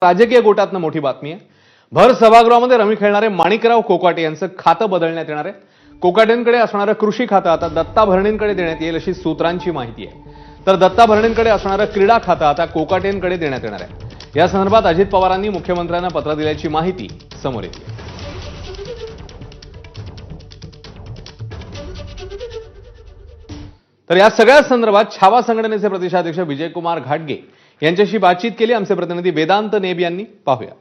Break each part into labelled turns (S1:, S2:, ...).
S1: राजकीय गोटातनं मोठी बातमी आहे। भर सभागृहामध्ये रमी खेळणारे माणिकराव कोकाटे यांचं खातं बदलण्यात येणार आहे। कोकाटेंकडे असणारं कृषी खातं आता दत्ता भरणेंकडे देण्यात येईल अशी सूत्रांची माहिती आहे। तर दत्ता भरणेंकडे असणारं क्रीडा खातं आता कोकाटेंकडे देण्यात येणार आहे। या संदर्भात अजित पवारांनी मुख्यमंत्र्यांना पत्र दिल्याची माहिती समोर येते। तर या सगळ्या संदर्भात छावा संघटनेचे प्रदेशाध्यक्ष विजयकुमार घाटगे यांच्याशी बातचीत केली आमचे प्रतिनिधी वेदांत नेब यांनी। पाहूया।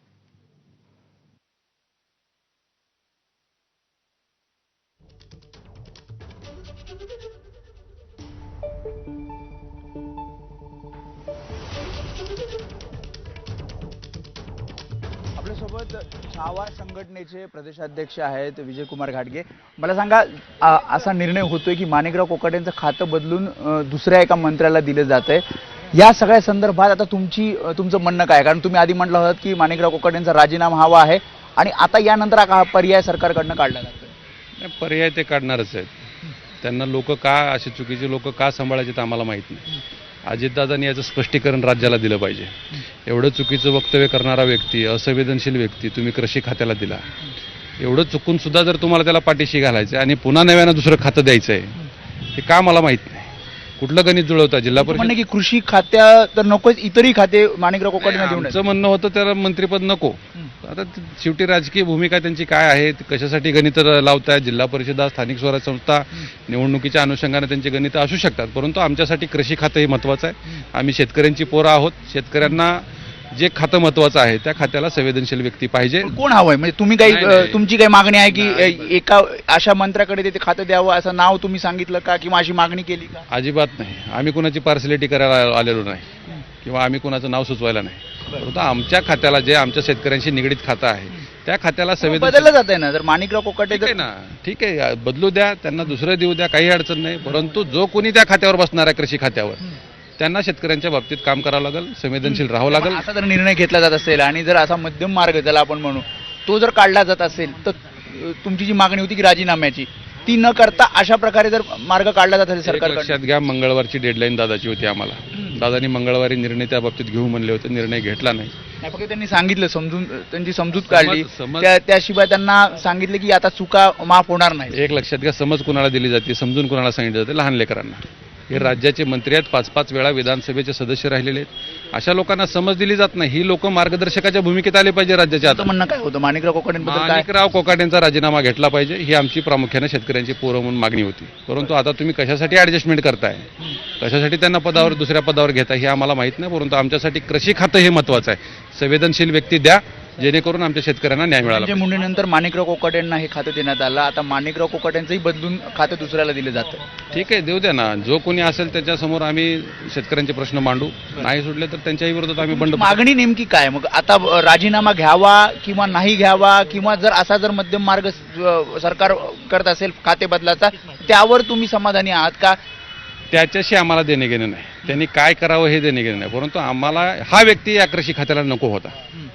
S2: आपल्यासोबत छावा संघटनेचे प्रदेशाध्यक्ष आहेत विजयकुमार घाटगे। मला सांगा, असा निर्णय होतोय की माणिकराव कोकाटेंचं खातं बदलून दुसऱ्या एका मंत्र्याला दिलं जातंय। या सगळ्या संदर्भात आता तुमचं म्हणणं काय? कारण तुम्ही आधी म्हटलं होतं की माणिकराव कोकाटेंचा राजीनामा हवा आहे आणि आता यानंतर हा पर्याय सरकारकडनं काढला जातोय।
S3: पर्याय ते काढणारच आहेत। त्यांना लोक का असे चुकीचे लोक का सांभाळायचे आम्हाला माहित नाही। अजितदादांनी याचं स्पष्टीकरण राज्याला दिलं पाहिजे। एवढं चुकीचं वक्तव्य करणारा व्यक्ती, असंवेदनशील व्यक्ती तुम्ही कृषी खात्याला दिला, एवढं चुकून सुद्धा जर तुम्हाला त्याला पाठीशी घालायचं आणि पुन्हा नव्यानं दुसरं खातं द्यायचं आहे हे का मला माहित नाही। कुठलं गणित जुळवता जिल्हा परिषद
S2: म्हणजे की कृषी खात्या तर नकोच, इतरही खाते माणिकराव कोकाटेंना देऊन
S3: आमचं म्हणणं होतं त्याला मंत्रिपद नको। आता शेवटी राजकीय भूमिका त्यांची काय आहे, कशासाठी गणित लावतायत, जिल्हा परिषदा, स्थानिक स्वराज्य संस्था निवडणुकीच्या अनुषंगाने त्यांची गणित असू शकतात, परंतु आमच्यासाठी कृषी खातं हे महत्त्वाचं आहे। आम्ही शेतकऱ्यांची पोरं आहोत। शेतकऱ्यांना जे खातं महत्त्वाचं आहे त्या खात्याला संवेदनशील व्यक्ती पाहिजे।
S2: कोण हवंय? म्हणजे तुम्ही तुमची काही मागणी आहे की एका अशा मंत्र्याकडे ते खातं द्यावं असं नाव तुम्ही सांगितलं का किंवा अशी मागणी केली का?
S3: अजिबात नाही। आम्ही कुणाची पार्सलिटी करायला आलेलो नाही किंवा आम्ही कुणाचं नाव सुचवायला नाही, परंतु आमच्या खात्याला जे आमच्या शेतकऱ्यांशी निगडीत खातं आहे त्या खात्याला
S2: बदललं जात आहे ना। जर माणिकराव कोकाटे
S3: ठीक आहे ना, ठीक आहे, बदलू द्या, त्यांना दुसरं देऊ द्या, काही अडचण नाही, परंतु जो कोणी त्या खात्यावर बसणार आहे कृषी खात्यावर त्यांना शेतकऱ्यांच्या बाबतीत काम करावं लागेल, संवेदनशील राहावं लागेल।
S2: असा जर निर्णय घेतला जात असेल आणि जर असा मध्यम मार्ग ज्याला आपण म्हणू तो जर काढला जात असेल तर तुमची जी मागणी होती की राजीनाम्याची ती न करता अशा प्रकारे जर मार्ग काढला जात असेल सरकार
S3: लक्षात घ्या, मंगळवारची डेडलाईन दादाची होती आम्हाला। दादानी मंगळवारी निर्णय त्या बाबतीत घेऊ म्हणले होते, निर्णय घेतला नाही।
S2: फक्त त्यांनी सांगितलं, त्यांची समजूत काढली, त्याशिवाय त्यांना सांगितलं की आता चुका माफ होणार नाही।
S3: एक लक्षात घ्या, समज कुणाला दिली जाते, समजून कुणाला सांगितलं जाते? लहान लेकरांना। हे राज्याचे मंत्री आहेत, 5-5 वेळा विधानसभेचे सदस्य राहिलेले आहेत, अशा लोकांना समज दिली जात नाही। ही लोक मार्गदर्शकाच्या भूमिकेत आले पाहिजे राज्याच्या। आता
S2: म्हणणं काय होतं माणिकराव कोकाटेंबद्दल?
S3: माणिकराव कोकाटेंचा राजीनामा घेतला पाहिजे ही आमची प्रामुख्याने शेतकऱ्यांची पोरं म्हणून मागणी होती, परंतु आता तुम्ही कशासाठी ऍडजस्टमेंट करताय, कशासाठी त्यांना पदावर दुसऱ्या पदावर घेताय हे आम्हाला माहित नाही, परंतु आमच्यासाठी कृषी खातं हे महत्त्वाचं आहे। संवेदनशील व्यक्ती द्या जेणेकरून आमच्या शेतकऱ्यांना न्याय मिळाला।
S2: म्हणजे मुंडेनंतर माणिकराव कोकाटेंना हे खातं देण्यात आलं, आता माणिकराव कोकाटेंचंही बदलून खातं दुसऱ्याला दिलं जातं।
S3: ठीक आहे, देऊ द्या ना, जो कोणी असेल त्याच्यासमोर आम्ही शेतकऱ्यांचे प्रश्न मांडू, नाही सुटले तर त्यांच्याही विरोधात आम्ही बंड।
S2: मागणी नेमकी काय मग? आता राजीनामा घ्यावा किंवा नाही घ्यावा, किंवा जर असा जर मध्यम मार्ग सरकार करत असेल खाते बदलाचा त्यावर तुम्ही समाधानी आहात का?
S3: त्याच्याशी आम्हाला देणे घेणे नाही, त्यांनी काय करावं हे देणे घेणे नाही, परंतु आम्हाला हा व्यक्ती या कृषी खात्याला नको होता।